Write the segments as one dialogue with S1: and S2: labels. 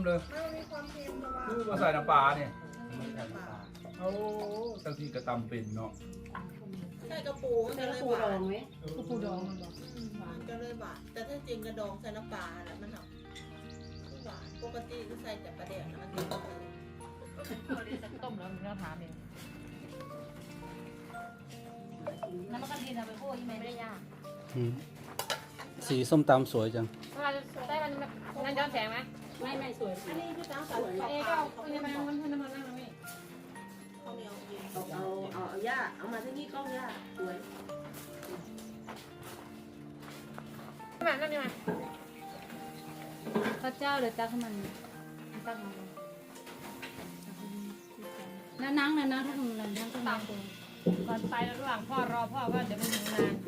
S1: เลย
S2: ไม่มีความเค็มเพราะว่า
S1: คือมาใส่น้ำปลาเนี่ย
S2: ไม่ใส่น้ำปลา
S1: โอ้ตั้งที่กระตำเป็นเนาะ
S2: ใส่กระปูมัน
S3: ใส่
S2: จะเลย
S3: ปู
S2: ห
S3: ด
S2: วา
S3: อน งไหม
S4: ปูดองมันบอก
S2: มันจะเลยหวานแต่ถ้าจริงกระดองใส่น้ำปลาแล้วมันหอมหวานปกติก็ใส่แต่ปลาแดกนะมันจะ
S4: เราได้สักต้มแล้วเราถามเองน้ำมันกะทินะไปพูดยังไงไม่ได้ยาก
S5: สีส้มตำสวยจัง
S4: เวลาได้มันนั่นย้อนแสงไหม
S3: ไม่สวย
S2: อันนี้คือตั้งใส่
S4: เอ๊ก็เอาเนี่ยมันน้ำมันนั่งตรงนี้
S2: ข้าวเหนียวเย็น
S3: เอาย่าเอามาที่นี่กล้องย่าสวย
S4: มานั่นนี่มา
S6: ข้าวเจ้าเดี๋ยวตักให้มันตักมาแล้วนั่งนะนั่งถ้าทำนั่งนั่งก็นั่งตัว
S4: ก่อนไประหว่างพ่อรอพ่อก็เดี๋ยวมันถึงนาน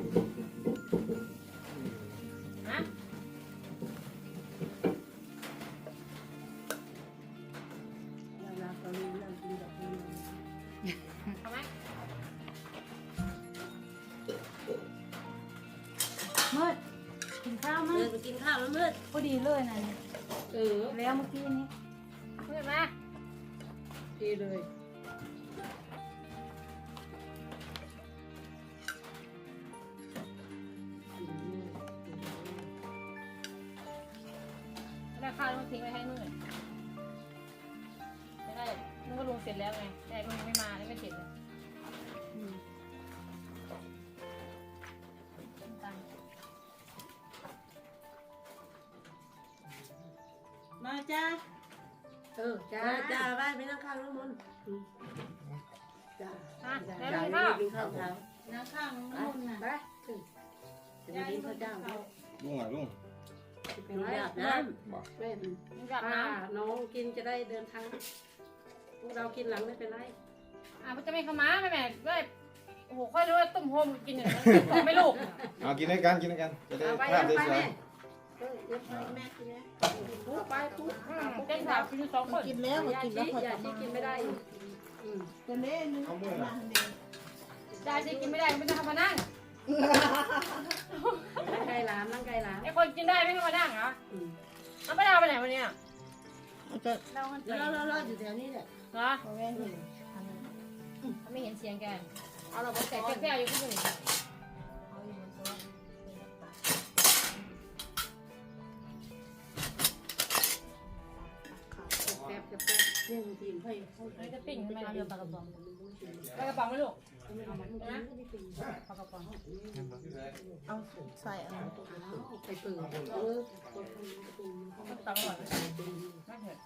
S4: ฮะ
S3: เราตอนนี้เรากินแบบนี้
S4: ทำไหม
S6: มืดกินข้าวมั้
S3: เดิ
S6: ย
S3: นไปกินข้าวแล้วมืด
S6: พอดีเลยนะ
S3: แล้วเมื่อกี้นี้
S4: เห็นไหม
S3: ดีเลย
S4: ราคาต้องทิ้งไว้ให้นู่นไม่ได้นู่นก็ลงเสร็จแล้วไงแต่มันยังไม่มาไม่เสร็จเลยตัง
S2: มาจ้า
S3: จ้าไหว้ไปนั่งข้าวแล้วมุนจ้า
S4: อ่ะ
S3: จ้า
S4: แล้ว
S3: จ้า
S4: มีข้าว
S3: กินข้าวเช้า
S6: นั่งข้างน้ำมันน่ะ
S3: ไปจะไปกินข้าวเจ้า
S7: ลุงอ่ะลุง
S3: ลุงอยากน้ำเป็น
S4: มีกับน้
S3: น้องกินจะได้เดินทางพวกเรากินหลังไม่เป็นไร
S4: ำมันจะไม่เข้ามาแม่ด้วยโอ้โหค่อยรู้ว่าต้มโฮมกินอย่างนั้นบอกไม่ลูก
S7: เอากินด้วยกันกินด้วยกันจะได้
S3: เอาไป
S7: ภาพ
S3: เอา
S7: ได้
S3: ไป
S7: สวย
S3: แม่เย็บไป
S2: แม่กินไหม
S3: ปุ๊บไปปุ๊บ
S4: เต้นสาวกินสองคน
S2: กินแล้วกินแล้ว
S3: อย่าชี้กินไม่ได้
S2: ตัวเล่นึง
S7: เอามือ
S2: มาเดียว
S4: ได้สิกินไม่ได้ไม่ต้องมานั่ง
S3: นั่งไกลร้านนั่งไกลร้าน
S4: ไอ้คนกินได้ไม่ต้องมานั่งเหรอมันไม่ได้ไปไหนวันนี้
S2: มันก็
S6: เรามัน
S3: เราอยู่แถวนี้แหละ
S4: เหรอ
S2: เอาแม่นี่
S4: เขาไม่เห็นเสียงแกเอาเราแต่แก้วอยู่ที่นี่
S3: แป๊บจะแป๊บเรื่องทีมให้
S4: เราจะปิ้งทำไมเรา
S6: เรือปลากระป๋อง
S4: ไปกระป๋องไหมลูก
S3: เอามันกินไม่ได้เป็น
S4: ปลากระป๋อง
S2: เอาใส่อะไร
S3: ไปเปิดคน
S4: ตังค์ก่อนไม่เถอะ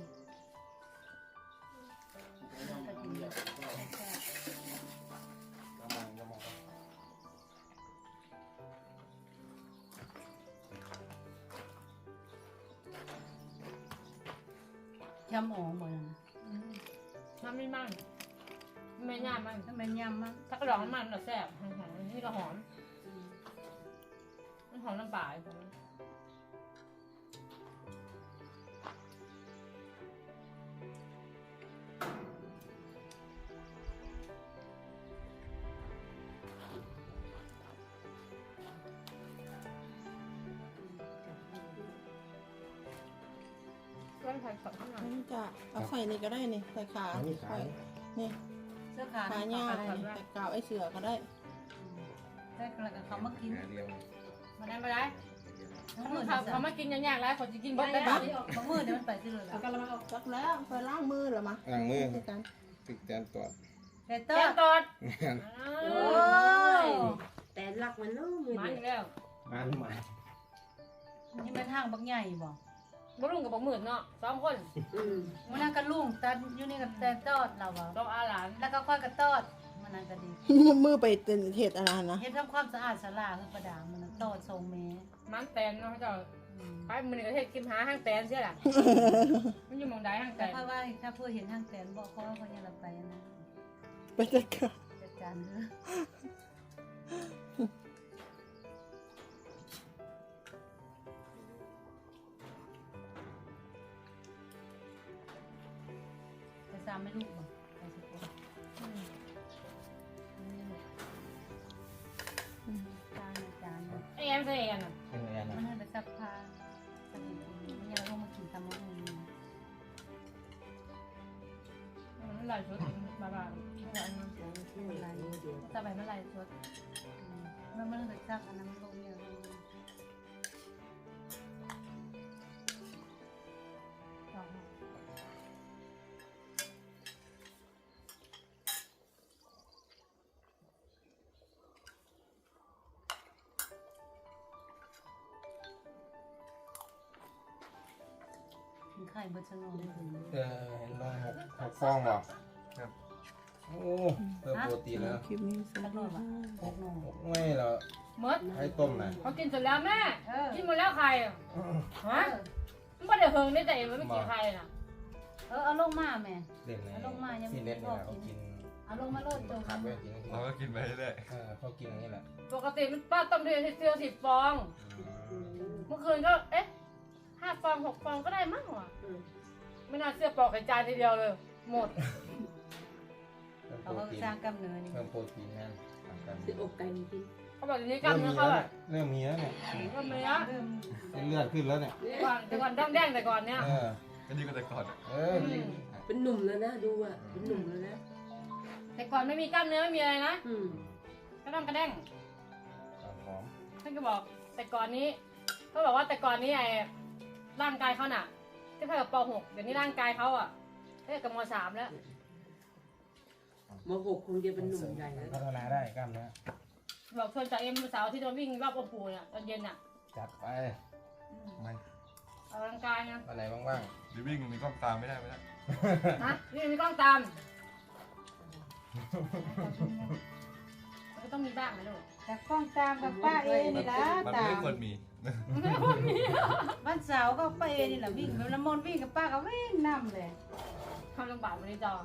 S6: ยำอ๋องหมดนะ
S4: น้ำไม่มั่งไม่ย่ามั่ง
S6: ทำไมยำมั้ง
S4: ถ้ากระดองมันเราแซ่บหอมๆนี่ก็หอมมันหอมน้ำปลาอีกคนก็ใส่สดข้างใน
S2: นี่จะเอาใส่นี่ก็ได้นี่ใส่ขา
S7: อันนี้ขาย
S2: นี่
S6: เสื้อขา
S2: ขาหญ้านี่ใส่กาวไอ้เสือก็ได้
S6: ได้กระกับเขามากิน
S7: หาเดียว
S4: มาได้มาได้
S6: ทั้งหมด
S4: เขามากินยากๆแล้วคนจะกิน
S6: บ
S4: บ่
S6: ด
S4: ได้
S6: ได้
S4: บ้า
S6: บางมือเดี๋ยวมันไปที่เลย
S2: เอากระมังออกจักแล้วไปล้างมือเหรอมะ
S7: ล้างมือ
S2: คือกัน
S7: ติดแตนตรวจ
S6: แต่
S4: แก
S6: ต้
S4: งตอด
S3: โอ้ยแต่รักมันนู้น
S4: มันอีกแล้ว
S7: มันใหม่
S6: นี่มันทางบักใหญ่บ่
S4: บ่ลุงกับบ่หมื่นเนาะสองคน
S6: มันนั่งกระลุงแต่อยู่นี่กับแต่ตอดเราบ่
S4: ต้องอาหลาน
S6: แล้วก็ค่อยกระตอดมันนั่นก็ดี
S2: มือไปเต็นเห็ดอะไรนะ
S6: เฮ็ดทำความสะอาดศาลาคือประดางมันตอดทรงแม่
S4: มันแตนเนาะเจ้าไปมื้อนี้ก็เฮ็ดกินหาห้างแตนเสียล่ะมันอยู่หม่องใดห้างแต
S6: แต่
S4: น
S6: ค่อยว่าถ้าเพื่อเห็นทางแตนบอกเขาว่าเขาจะรับไปนะ
S2: ไปจัดการ
S6: จัดการเด้อ จะซ้ำไม่ลูกบ่ไปสิคนนี่แหละจานจาน
S4: ไอ้แอมใส่แอนน่ะ
S7: เป็นไง
S6: มัน
S7: นะ
S6: ให้ไปซักผ้าสนิทมันยังลงมากินตำมะฮุง
S4: ไหลชุดบาบาไม่ไหลมัน
S3: ไม่เป็นไรเดี๋ยว
S4: จะไปไม่ไหลชุด
S6: มันเลยซักอันนั้นลงเนี่ย ไข่เบอร์ชโนได้ถึง
S7: เห็นลงหกฟองบ่ครับโอ้เพิ่มโปรตีนแล้ว
S3: คลิปนี้ส
S6: สั
S3: วั
S6: ก
S3: ส
S6: หน่
S3: ดี
S6: อย
S3: ค่ะ
S6: ว่ะ
S7: ไม่เหรอ
S4: มด
S7: ให้ต้มนะ
S4: เขากินเสร็จแล้วแม่กินหมดแล้วใครฮะ
S6: เออ
S4: มันไม่ได้เฮิงได้แต่มันไม่กินใครน่ะ
S6: เอาลงมาแม่
S7: เล่นเลย
S6: ลงมายังไม่
S7: ซีเล่น
S6: พอ
S7: เนี่ยเขา
S6: กิ
S7: กิ
S6: น
S7: น
S6: เอาลงมาโลดจง
S7: ขับไว้กิน
S8: เราก็กินไปเรื่อย
S7: เขากินอย่างนี้แหละ
S4: ปกติมันป้าต้มเดือนเดียว10 ฟอง เมื่อคืนก็5 ฟอง 6 ฟองก็ได้มั้งวะไม่น่าเชื่อปอกไข่จานทีเดียวเลย หมด
S7: เพิ่มโป
S6: เขา
S7: ร
S6: ก็
S7: ตีน
S6: สร้างกำเนิดนี่
S7: เพิ่มโปรตีนนั่น
S3: สิอกไก่จริง
S4: เขาบอกอย่างนี้กล้ามเนื้อเขาอะ
S7: เริ่มมีแล้วเนี่ย
S4: กล้ามเนื้อ
S6: เริ่ม
S7: เป็นเลือดขึ้นแล้วเนี่ย
S4: แต่ก่อนด้องแดงแต่ก่อนเนี่ย
S8: ๆก็ดีกว่าแต่ก่อน
S3: เป็นหนุ่มแล้วนะดูอ่ะเป็นหนุ่มแล้วนะ
S4: แต่ก่อนไม่มีกล้ามเนื้อไม่มีอะไรนะ
S3: อืม
S4: ก็ต้องกระแดง
S7: หอม
S4: ท่านก็บอกแต่ก่อนนี้เขาบอกว่าแต่ก่อนนี้ร่างกายเขาน่ะที่เท่ากับป .6 เดี๋ยวนี้ร่างกายเขาอ่ะเท่ากับม .3 แล้ว
S3: มหกคงจะเป็นหนุ่มใหญ่แล้ว
S7: พัฒนาได้กล้ามเนื้อ
S4: บอกชวนจากสาวที่โดนวิ่งรอบองค์ปู่เนี่ยตอนเย็นอ่ะ
S7: จัดไป
S8: ไม่
S4: ออกกำลังกายนะ
S7: วันไหนว่าง
S8: ดิวิ่งมีกล้องตามไม่ได้
S4: นะนี่มีกล้องตามมันก็ต้องมีบ้างนะลูก
S6: แต่กล้องตามกับป้าเอนี่ละ
S8: มัน
S6: ตา
S8: ไม่
S6: ม
S8: ควรมี
S6: วันเสาร์ก็ป้าเอนี่แหละวิ่งแล้วมนวิ่งกับป้าก็วิ่งนำเลย
S4: ทำลำบากวันนี้จอ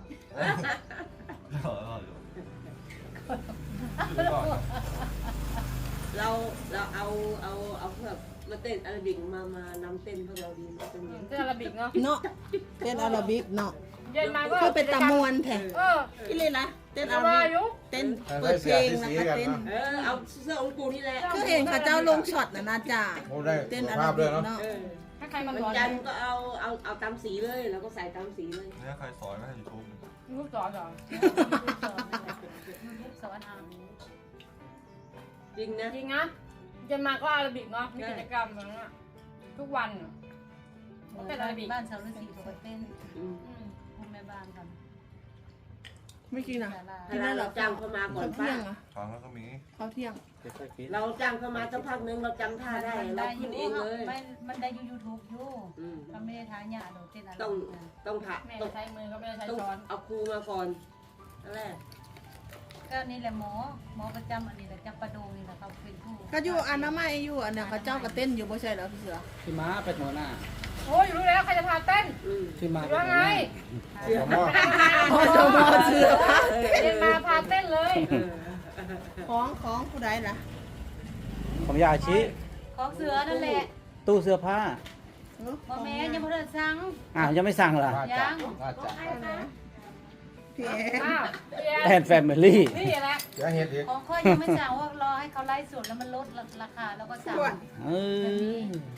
S3: เราเอาเพื่อมาเต้นอาราบิกมานำเต้นพวกเราดีมาเป็นยัง
S4: เต้นอาราบิกเนาะ
S9: เนาะเต้นอาราบิกเนาะ
S4: เย็นมาก็
S9: คือเป็นตามวนแท้
S4: อี
S9: อีเลยนะเต้นอา
S4: อา
S9: รา
S4: รา
S9: บิก
S4: ยุ
S9: เต้น
S7: ๆ
S9: เปิดเพลงแล้วก็เต้น
S3: เอาเสื้อองค์ปู่นี่แหละ
S9: คือเห็นเขาเจ้าลงช็อตนะจ้า
S7: โอ้ได้
S9: เต้
S7: สุ
S9: น
S7: ข
S9: อา
S7: ภา
S9: รา
S7: พด้
S9: บิ
S7: วย
S9: ก
S7: เนาะ
S9: เนาะ
S4: ถ้าใครมา
S3: วัน
S4: สอน
S3: จันทร์ก็เอาตามสีเลยแล้วก็ใส่ตามสีเลย
S8: เนี่ยใครสอนไม่ให้ยูทูบ
S4: ลูกสอนเหรอ
S6: สอนเอา
S3: จริงนะ
S4: จริงนะเย็นมาก็อาราบิกเนาะมีกิจกรรมแบบนั้นทุกวันเต้นอาราบิก
S6: บ้านชาวฤาษีเขาก็เต้น
S3: อืม
S6: คุณแม่บ้านกัน
S9: ไม่กินอ่ะ
S6: ศาลา
S9: กินได้เหรอ
S3: เราจ้างเขามาก่อ
S9: เขา
S3: น
S9: เที่
S3: ป้าย
S9: งอ่ะ
S8: ฟังแล้วก็มี
S9: เขาเที่ยง
S3: เราจ้างเขามาสักพักนึงเราจำท่าได้เราขึ้นเองเลย
S6: มันได้ยูทูบอยู่
S3: อืม
S6: มันไม่ได้ท้ายหยาโดดเต้นอะไร
S3: ต้องถ่า
S4: แม่
S3: ต้อง
S4: ใช้มือก็ไม่ได้ใช้
S3: ต้อง
S4: ช้อน
S3: เอาครูมาก่อนนั่นแหละ
S6: ก็นี่แหละหมอประจำอันนี้แหละจำปาดงนี่แหละเขาเป็นผู้
S9: ก็อยู่อนามัยอยู่อันเนี่ยเขาเจ้าก็เต้นอยู่บ่ใช่เหรอพี่เสือ
S5: พี่ม้าเป็นหัวหน้า
S4: โอ้ยรู้แล้วใครจะพาเต้น
S3: อืม
S5: พี่ม้า
S4: หรื
S5: เป็
S4: อน ว่า
S5: หัว
S4: ไง
S5: หน้า
S7: หัวหม้อ
S9: โอ้โหเสือผ้า
S4: เย็นมาพาเต้นเลย
S9: ของผู้ใดล่ะ
S5: ของยาชิ
S6: ของเสือนั่นแหละ
S5: ตู้เสื้อผ้า
S6: พ่อแม่ยังไม่ได้สั่ง
S5: ยังไม่สั่งเหรอ
S7: ว่าจะว่าจะ
S9: พี่เอ๋
S4: อ้าวพี่
S5: แอนแฟมิลี่
S4: นี่แหละ
S7: เดี๋ยวเห็ดอีก
S6: ของค่อยยังไม่สั่งว่ารอให้เขาไล่สดแล้วมันลดราคาแล้วก็สั่ง
S5: เออ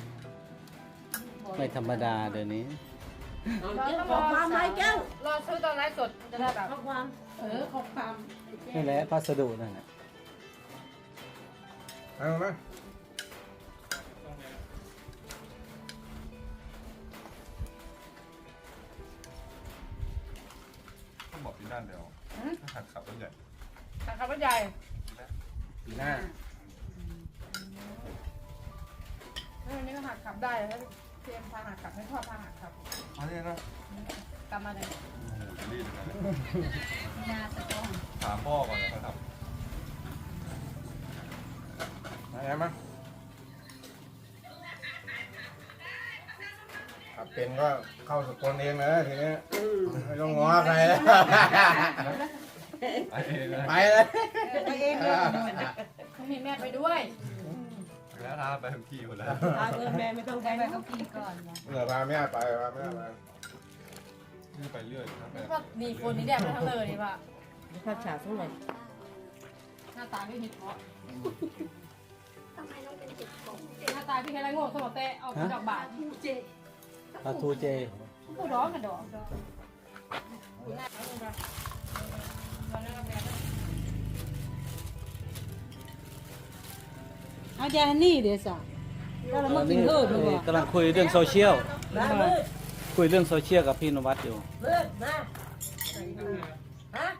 S5: ไม่ธรรมดาเดี๋ยวนี้
S3: เอาเจ้าของความไม้แก้ว
S4: รอซื้อตอนไลฟ์สดจะได้แบบ
S3: ข้อความข้อความ
S5: นี่แหละพัสดุนั่นแหละ
S7: เอามา
S8: ต้องบอกปีนั่นเดี๋ยวหัดขับรถใหญ่
S4: ทางคำว่าใหญ่
S7: ปีหน้า
S4: วันนี้ก็หักขับได้แล้วเตรียมพาหักขับให้พ่อพาหักขับ
S8: อันนี้นะ
S4: กลับมาเลย
S8: จะรีบนะ
S6: หน้าตะกอง
S8: ถามพ่อก่อนนะครับ
S7: อะไรมั้งถ้าเป็นก็เข้าสกลเองเลยทีนี้
S3: อืม
S7: ไม่ต้องง้อใครแล้ว
S8: ไอ้เองนะ
S7: ไปเลย
S6: ไปเองเลย
S4: ต้องมีแม่ไปด้วย
S8: แล้วท้าไปทุกที่หมดแล้ว
S3: แม่ไม่ต้อง
S6: ได้
S3: ไป
S6: ไปกับพี่ก่อนนะ
S7: พาแม่ไปพาแม่ไป
S8: นี่ไปเรื่อยครับ
S4: นี่ก็ดีคนนี้แดดไปทั้งเลยนี่ป่ะ
S3: ภาพฉากเท่าไหร่
S4: หน้าตาพี่หิดเพาะหน้าตาพี่แค่ไรโง่สมองเตะเอาดอกบาท
S5: ปลาทูเจ
S4: ผู้ร้องกันดอก
S6: เอายาฮันนี่เดี๋ยวสักแล้วเรามากินเพิ่มดีกว่าก
S5: ำลังคุยเรื่องโซเชียล
S3: มามืด
S5: คุยเรื่องโซเชียลกับพี่นวัดอยู่
S3: มืดมาฮะ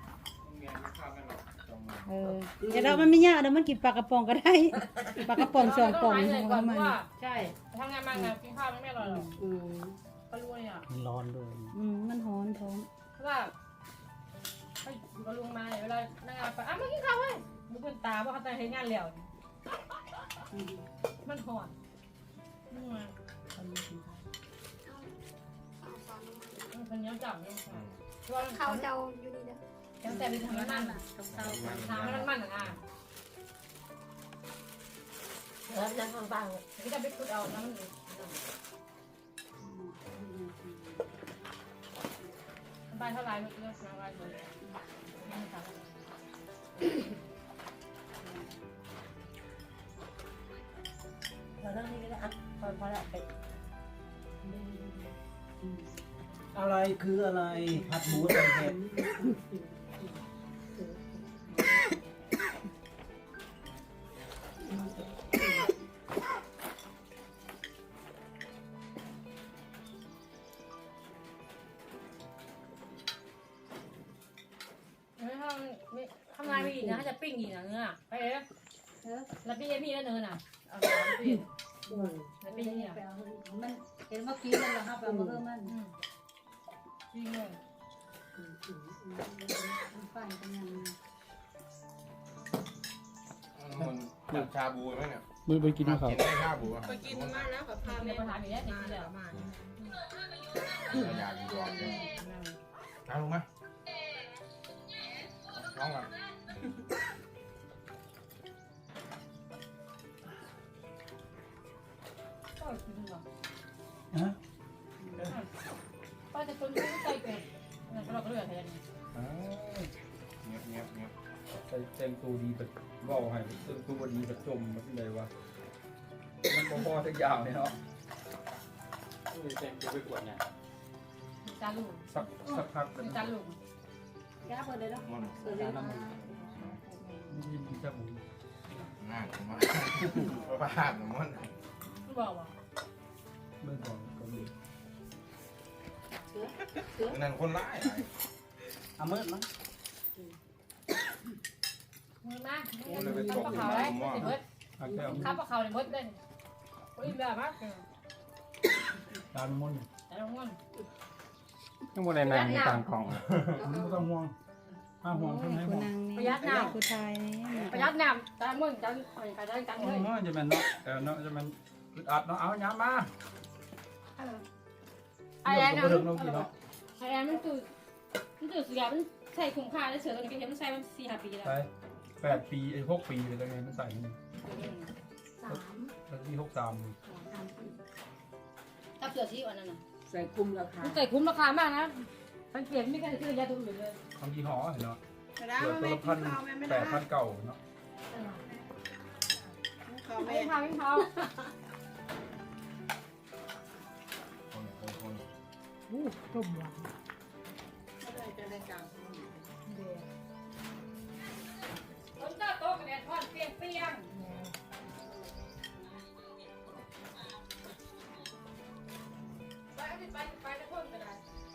S6: แต่เรามันไม่ยากเดี๋ยวมันกินปลากระป๋องก็ได้ปลากระป๋องสองป๋อง
S4: เห
S6: ข
S4: นื่
S6: อย ง
S4: ก่อน
S6: มัน
S4: ว่าใช่ทำงานมางานกินข้าวไม่อร่อยหรอก
S3: อืม
S4: ก็รู้เนี่ย
S5: มันร้อนด้วย
S6: มันหอนท้อง
S4: เพราะว่าไปก็ลุงมาเวลานั่งงานไปอ่ะมากินข้าวเว้ยมึงเป็นตาว่าเขาแต่งให้งานแล้วมันหอนมึงมาคนนี้จับเนี่ยเขาเจ้าอยู่นี่นะยังแต่เป็นทางนั้นอ่ะทางนั้นมันอ่ะ
S3: แล้วนั่งข้างบ้าง
S4: ที่จะไปขุดเอาน้ำมันใบเท่าไรเมื่อกี้น้ำใบเลยไม่ทำ
S3: เรานั่งนี่ก็ได้อ่ะพอแล้วไป
S5: อะไรคืออะไรผัดหมูใส่เห็ด
S4: ไม่ทำงานไม่อีกนะจะปิ้งอีกนะเนื้อไปเลยแล้วปิ้งมีแล้วเนื้อน่ะเอาปิ้งแล้วปิ้งนี่อ่ะ
S6: มันเห็นเมื่อกี้มันเหรอครับเอามาเพิ่มมัน
S4: ปิ้งเลย
S6: ปั่นกันยัง
S7: มันจับชาบูไหมเนี่ย
S5: ไปกินข้าว
S7: กินได้ชาบูอ่ะ
S2: ไปกินมาแล้วกับพา
S4: เดี๋
S2: แม่
S4: ยวประธานมีแล้วเดี๋ยว
S2: มา
S4: กิน
S2: แล้
S4: แล้ว ว
S2: มา
S7: อยากกินก่อนเลยชาลงไหมน้องอ่ะ
S4: ก็กินหรอ
S5: ฮะ
S4: ป้าจะคนที่ใจเกินเราก็เลือกแทน
S7: เงียบเงียบเงียบ
S1: ใส่แต่งตัวดีแบบว่าให้แต่งตัวดีแบบจมมันเป็นไรวะมันพอๆสักอย่างเนี่ยเนาะ
S5: แต่งตัวไปกวดเนี่ย
S4: จานลูก
S1: สักพัก
S4: จานลูก
S6: แก้เปิดเลยเนาะ
S7: มัน
S6: เปิดเลยเนาะ
S1: ยิ้มแค่หมู
S7: ง่ายมากประหารน้ำมัน
S4: ไม่บอกว่า
S1: เมื่อก่อนก็มี
S7: นั่นคนร้าย
S5: เอามืดมั้ง
S4: มือมาข้าวปลาขาวเลยติดเบิด
S1: อาแก้ว
S4: ข้าวปลาขาวเลยเบิดเลยโอ้ยแบบมาก
S1: ตามมุ่น
S4: แต่ละคน
S5: ยังบ่ได้นั่งต่างกล่อง
S1: ไม่ต้องห่วงห้าห่วงเพิ่งให้ห่วง
S4: ประหยัดน้ำ
S6: ผู้ชายนี่
S4: ประหยัดน้ำจานมึงจานใครจานจาน
S1: โอ้
S4: เลย
S1: ยจะมันเนาะแต่เนาะจะมันอึดอัดเนาะเอาย้ำมา
S4: ไอ้แอน
S1: เรื่องเรากินเนาะ
S4: ไอ้แอนมันตื่นเสียมันใส่คุ้มค่าได้เสือตัวนี้ก็เห็นมันใส่มัน4-5 ปีแล้ว
S1: ไป8 ปีไอ้6 ปีเลยไงมันใส่นี่แล้วที่63
S4: ถ้าเสือที่วันนั้นน่ะ
S3: ใส่คุมราคา
S4: มันใส่คุ้มราคามากนะสังเกตไม่กันคือยาตัวอื่นเลย
S1: ทำยี่ห้อเนาะ
S2: ไม่ได้
S1: เกือบ
S2: แม่
S1: ตัว
S2: กิ
S1: ละ
S2: นข้าวแม่ไม่
S1: 1,000
S2: ได้
S1: 8,000เก่าเนาะ
S2: ข้าว
S4: ไม่
S2: แม่
S4: ทำไม่ท
S7: คน
S6: ต้มหวาน
S2: ไม่ได้จะได้กลาง
S4: ำคนเจ้าโตกันแดดทอดเปรี้ยงไปตะพ่นก็ได้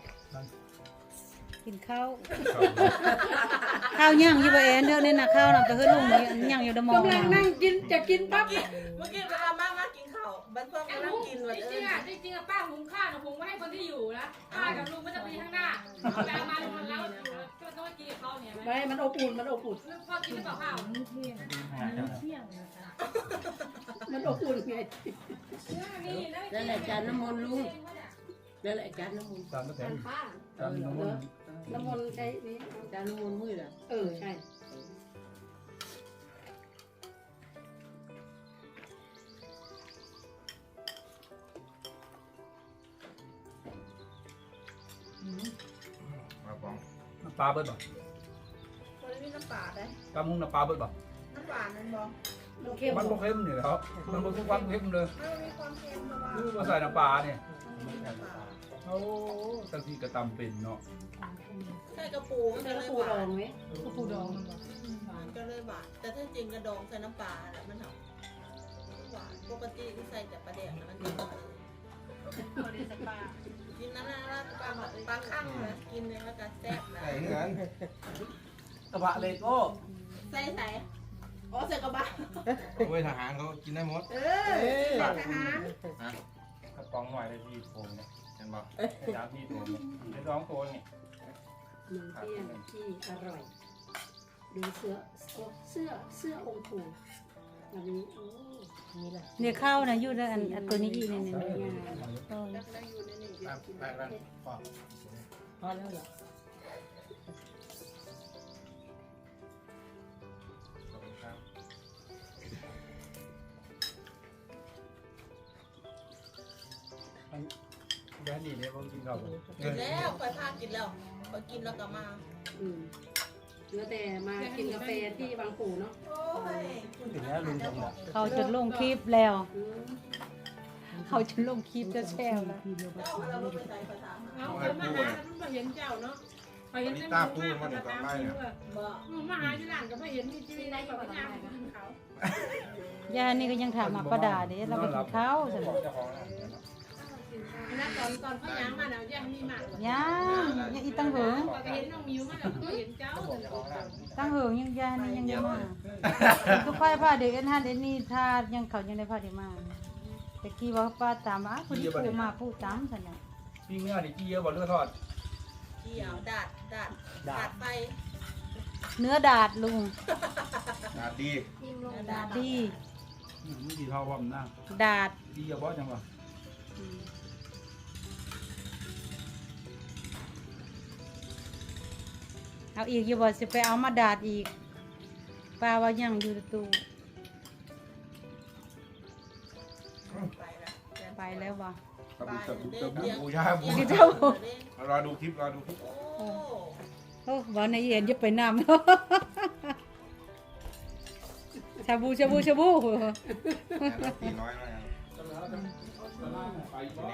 S6: กินข้าวข้าวย่างอยู่บ่แอนเด้อเนี่ยนะข้าวน่ะไปเฮ็ดลุงนี่ย่างอยู่ดมอง
S3: กำลังนั่งกินจะกินปั๊บ
S2: เมื่อกี้เวลามากินข้าวบ้านเพื่อนกำลังกินวัน
S4: จ
S2: เอ
S4: ริง
S2: อ
S4: ๆจริงๆป้าหุงข้าวนะหุงไว้ให้คนที่อยู่นะป้ากับลุงก็จะไปข้างหน้าเวลามาลุงแล้วก็ต้องกินกับเขาเนี่ยไหม
S3: ไม่มันอบอุ่นมันอบอุ่น
S4: พ่อกินหรือเปล่าข้าว
S3: มันอบอุ่นไง
S4: นั่นแหละจานน้ำมันลุง
S3: นั่นแหละจานน้ำมัน
S1: ตามก็แต่ตามน้ำมัน
S3: น้ำมันใช้นี่จานน้ำมันมืดอ่ะใช่
S7: มาป้อง
S1: น้ำปลาเบิดบ่
S2: คนนี้น้ำปลาได้
S1: ตามมุ้งน้ำปลาเบิดบ่
S2: น้ำหวานนั่นบอก
S3: มันเค็ม
S1: มันบ่เค็มนี่ครับมันบ่ทุกวันเค็มเลย
S2: ไม่มีความเค็มเพราะว่า
S1: คือมาใส่น้ำปลาเนี่ย
S2: มันมีน้ำปลา
S1: มเขาตั้งที่กระตำเป็นเนาะ
S2: ใช่กระปูมัน
S3: ใส่
S2: ก็
S3: ก
S2: เล
S3: ระ
S2: ย
S3: ปู
S2: ห
S3: ดอ
S2: วาน
S3: งไหม
S4: ก็ปูดองมันบอก
S2: มันก็เลยหวานแต่ถ้าจริงกระดองใส่น้ำปลาแล้วมันหวานปกติที่ใส่แต่ปลาแดกนะมันจะหวานกินนั่นนะปลาข้างนะกินเลยแล้วก็แซ่บนะ
S7: ใส่เงิน
S5: กระบะเลโก้
S2: ใส่อ๋อใส่กระบะ
S7: โอ้ยทหารเขากินได้หมด
S2: ใส่ทหาร
S1: กระป๋องหน่อยเลยพี่โป่งเนี่ย
S7: เห็นบอก
S1: ยาพี่โป่งเนี่ยได้ร้องตัวเนี่ย
S3: มื้อเที่ยงที่อร่อยดูเสื้อองค์ปู่แบบนี้โอ้นี่แหละ
S6: เนี่ยข้าวนะอยู่ในอันตัวนี้อีกเนี่ย
S3: สวยงาม
S6: เออ
S7: ไปปอก
S3: พอแล้วเหรอ
S7: ขอบคุณครับ
S1: แดนนี่เนี่ยผมกินข้าวกัน
S2: กินแล้วคอยพากินแล้วคอยกินแล้วก็มา
S3: เหลือแต่มากินกาแฟที่บางปู่เนาะ
S2: โอ้ย
S1: ถึงแล้วลุงทำแบบ
S6: เขาจะลงคลิปแล้ว
S3: อืม
S6: เขาจะลงคลิปจะแชร์แล้ว
S2: เจ้าเราไม่ไปใส่ภาษา
S4: เอาคนมาหาคุณมาเห็นเจ้าเนาะไปเห็น
S7: ตาพูดมาถึงตอนไล่เนี่ย
S2: บอก
S4: มาหาที่ร้านก็ไม่เห็นมีชีวิตได้แบบย่างกินเขา
S6: ย่านี่ก็ยังถามมาประดาเด้เราไปกินข้าวใช่ไหม
S1: เจ้าของร้านเนี่ยเนาะ
S4: นะตอนเขาย่างมาแล้วย่างมีมาก
S6: ยังอีตั้งเหิง
S4: ก็เห็นน้องมิวมาแล้วก็เห็นเจ้า
S1: เจ้าของร้าน
S6: ตั้งเหิงยังย่านี่ยังมาทุกไฟผ้าเด็กอันนั้นเอ็นนี่ถ้ายังเขายังได้ผ้าเด็กมาแต่กี้ว่าป้าตามคนที่ปูมาพูดตามฉันน่ะ
S1: พี่เนื้อนี่กี้เยอะกว่าเลือดทอด
S2: เกี่ยวดาดไป
S6: เนื้อดาดลุง
S7: ดี
S6: ดาดดี
S1: ไม่ดีเท่าว่ามันนั่ง
S6: ดาด
S1: กี้เยอะบ่จังวะ
S6: เอาอีกอยู่บ่สิไปเอามาดาดอีกป้าว่ายังอยู่ในตู้
S2: ไปแล้ว
S6: ไปแล้วว่ะ
S7: ตะบุตะบุตะบุบูชาบู
S6: กินเท่าร
S7: อดูคลิปรอดูคลิป
S2: โอ้
S6: โอ้บ่ในเอ็นจะไปนำ ชาบูชาบูชาบู
S7: ตีน้อยมากแน่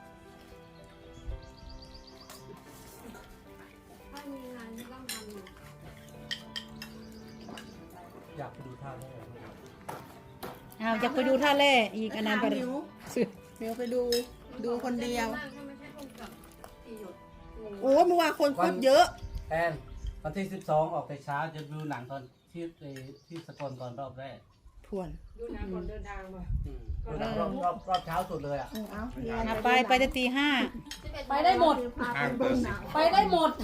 S5: อยากไปดูท่าแร่
S6: เอาจะไปดูท่าแร่อีกอันนั้นไป
S9: มิวมิวไปดูคนเดียว โอ้เมื่อวานคนโคตรเยอะ
S5: แอนวันที่ 12 ออกแต่เช้าจะดูหนังตอนที่สกลก่อนรอบแรก
S9: ทวน
S4: ดูนะก่อนเดินทางมา
S5: ดูหนังรอบเช้าสุดเลยอ่ะ
S6: เอาไปแต่ตี 5
S3: ไปได้หมด
S7: ห้างเปิด
S3: ไปได้หมด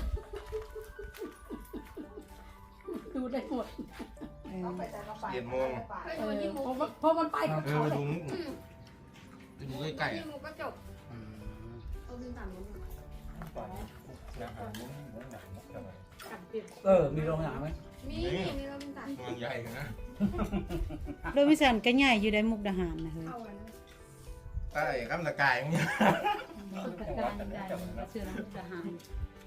S3: ดูได้หมด
S7: 7 โมง
S3: เพราะมันไปกับ
S7: ไป
S3: เขา
S7: ดูดูใกล้ๆอ่ะ
S5: มีโรงหนังไหม
S7: มันใหญ่นะ
S6: โดยมิสันก็ใหญ่อยู่ได้มุกดาหารนะเฮ้ย
S7: ใต้ข้ามตะกายเนี่ย
S6: การใหญ่เชื่อมุกดาหาร